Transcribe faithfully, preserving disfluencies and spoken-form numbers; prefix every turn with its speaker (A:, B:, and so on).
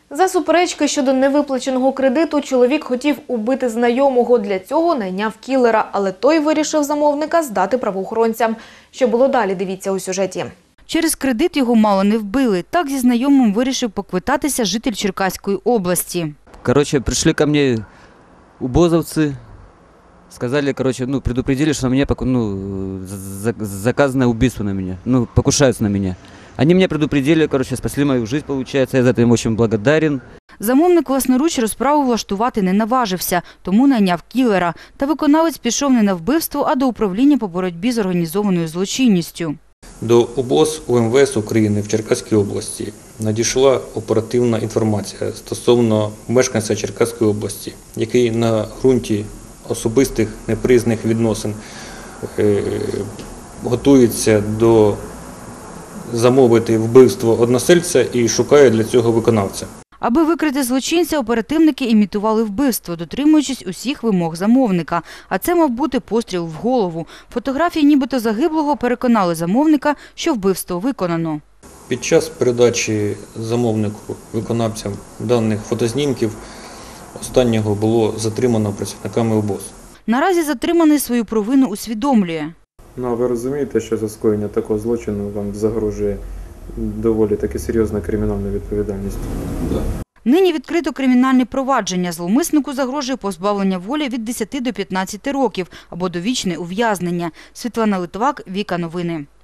A: За суперечки щодо невиплаченого кредиту чоловік хотів убити знайомого. Для цього найняв кілера, але той вирішив замовника здати правоохоронцям. Що було далі, дивіться у сюжеті.
B: Через кредит його мало не вбили. Так зі знайомим вирішив поквитатися житель Черкаської області.
C: Короче, пришли ко мне убозовцы, сказали, короче, ну, предупредили, что на меня ну, заказано убийство на меня, ну, покушаются на меня. Они меня предупредили, короче, спасли мою жизнь, получается, я за это им очень благодарен.
B: Замовник власноруч розправу влаштувати не наважився, тому найняв кілера. Та виконавець пішов не на вбивство, а до управління по боротьбі з організованою злочинністю.
D: До УБОЗ УМВС України в Черкаській області надійшла оперативна інформація стосовно мешканця Черкаської області, який на ґрунті особистих неприязних відносин е, готується до замовити вбивство односельця і шукає для цього виконавця.
B: Аби викрити злочинця, оперативники імітували вбивство, дотримуючись усіх вимог замовника. А це мав бути постріл в голову. Фотографії нібито загиблого переконали замовника, що вбивство виконано.
D: Під час передачі замовнику виконавцям даних фотознімків останнього було затримано працівниками УБОЗ.
B: Наразі затриманий свою провину усвідомлює.
E: Ну, а ви розумієте, що за скоєння такого злочину вам загрожує доволі таки серйозна кримінальна відповідальність?
D: Да.
B: Нині відкрито кримінальне провадження. Зловмиснику загрожує позбавлення волі від десяти до п'ятнадцяти років або довічне ув'язнення. Світлана Литвак, Віка Новини.